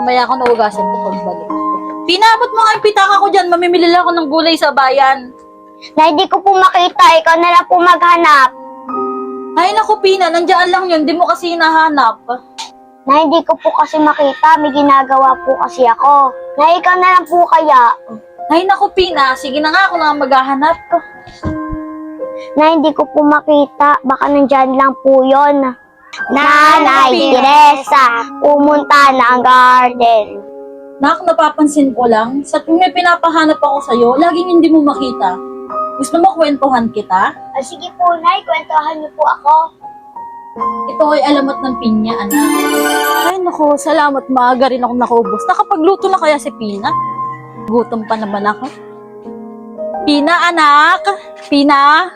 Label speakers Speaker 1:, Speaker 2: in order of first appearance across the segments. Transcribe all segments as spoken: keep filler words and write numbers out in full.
Speaker 1: mamaya ako naugasan ko pagbalik. Pinabot mo nga yung pitaka ko dyan, mamimili lang ako ng gulay sa bayan.
Speaker 2: Nay, di ko po makita. Ikaw na lang po maghanap.
Speaker 1: Ay naku, Pina, nandiyan lang yun, di mo kasi hinahanap.
Speaker 2: Nay, di ko po kasi makita. May ginagawa po kasi ako. Nay, ikaw na lang po kaya.
Speaker 1: Ay naku, Pina, sige na nga, ako na maghahanap.
Speaker 2: Nay, di ko po makita. Baka nandyan lang po yon. Nanay Teresa, pumunta ng garden.
Speaker 1: Nak, napapansin ko lang, sa tuwing may pinapahanap ako sa'yo, laging hindi mo makita. Gusto mo kwentuhan kita?
Speaker 2: Ah, sige po, Nay. Kwentuhan niyo po ako.
Speaker 1: Ito ay alamat ng pinya, anak. Ay naku, salamat, maaga rin akong nakaubos. Nakapagluto na kaya si Pina? Gutom pa naman ako. Pina, anak! Pina!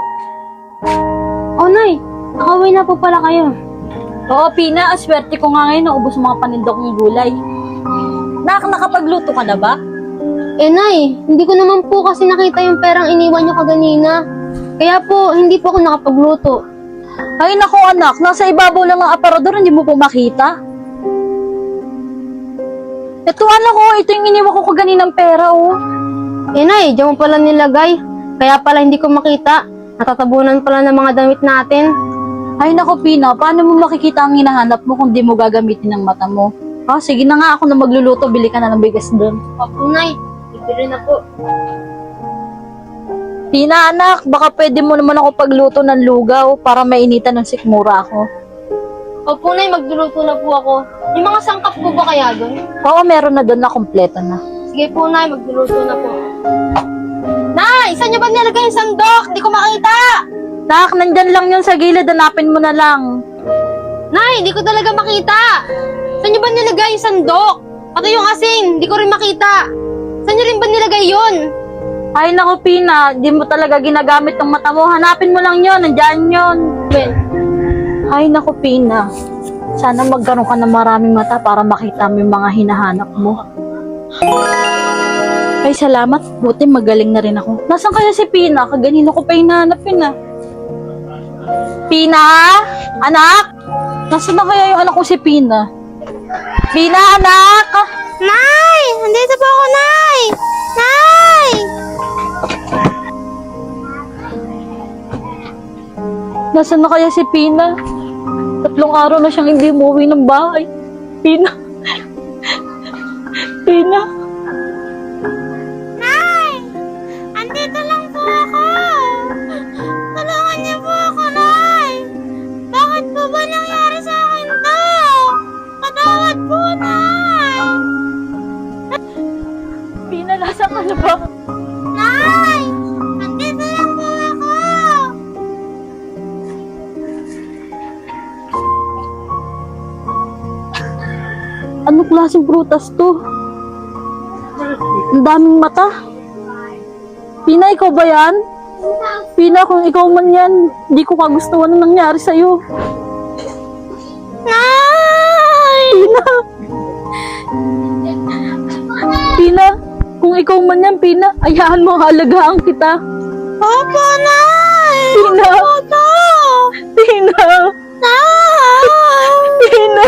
Speaker 2: Oh, Nay. Nakauwi na po pala kayo.
Speaker 1: Oo, Pina, aswerte ko nga ngayon naubos mga panindok ng gulay. Nak, nakapagluto ka na ba?
Speaker 3: Eh, Nay, hindi ko naman po kasi nakita yung perang iniwan niyo kaganina. Kaya po, hindi po ako nakapagluto.
Speaker 1: Ay naku, anak, nasa ibabaw lang ng aparador, hindi mo po makita. Ito, anak ko, ito yung iniwan ko kaninang pera, oh.
Speaker 3: Eh, Nay, diyan mo pala nilagay. Kaya pala hindi ko makita. Natatabunan pala ng mga damit natin.
Speaker 1: Ay naku, Pina, paano mo makikita ang hinahanap mo kung di mo gagamitin ng mata mo? Ah, sige na nga, ako na magluluto, bili ka na ng bigas doon.
Speaker 3: Opo, Nay. Bibili na po.
Speaker 1: Pina, anak, baka pwede mo naman ako pagluto ng lugaw para mainitan ng sikmura ako.
Speaker 3: Opo, Nay, magluluto na po ako. Yung mga sangkap po ba kaya doon?
Speaker 1: Oo, meron na doon na kompleto na.
Speaker 3: Sige po, Nay, magluluto na po. Nay, saan niyo ba nilagay yung sandok? Di ko makita!
Speaker 1: Nak, nandyan lang yun sa gilid, hanapin mo na lang.
Speaker 3: Nay, di ko talaga makita! Saan niyo ba nilagay yung sandok? Pati yung asin, di ko rin makita. Saan niyo rin ba nilagay yun?
Speaker 1: Ay naku, Pina, di mo talaga ginagamit ng mata mo. Hanapin mo lang yun, nandyan yun.
Speaker 3: Ben,
Speaker 1: Ay naku, Pina, sana magkaroon ka ng maraming mata para makita mo yung mga hinahanap mo. Ay, salamat. Buti magaling na rin ako. Nasaan kaya si Pina? Kaganino ko pa hinahanapin ah. Pina? Anak? Nasaan na kaya yung anak ko si Pina? Pina, anak!
Speaker 3: Nay! Nandito po ako, Nay! Nay!
Speaker 1: Nasaan na kaya si Pina? Tatlong araw na siyang hindi umuwi ng bahay. Pina? Pina?
Speaker 3: Nay! Andito lang po ako! Tulungan niyo po ako, Nay! Bakit po ba nangyari sa akin to? Patawad po, Nay!
Speaker 1: Pina, nasaan ka na ba?
Speaker 3: Nay! Andito lang po ako!
Speaker 1: Anong klaseng prutas to? Ang daming mata. Pina, ikaw ba yan? Pina, kung ikaw man yan, di ko kagustuhan ang nangyari sa'yo.
Speaker 3: Nay!
Speaker 1: Pina! Pina, kung ikaw man yan, Pina, ayahan mo, halagaan kita.
Speaker 3: Opo, Nay!
Speaker 1: Pina!
Speaker 3: Opo!
Speaker 1: Pina!
Speaker 3: Nay!
Speaker 1: Pina!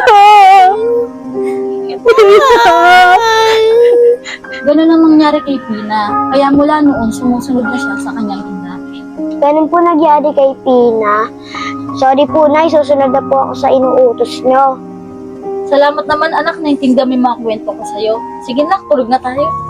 Speaker 1: Pina! Ganun ang nangyari kay Pina. Kaya mula noon, sumusunod na siya sa kanyang ina.
Speaker 2: Ganun po nagyari kay Pina. Sorry po, Nay. Susunod na po ako sa inuutos nyo.
Speaker 1: Salamat naman anak, naintindihan mo yung mga kwento ko sa'yo. Sige na, tulog na tayo.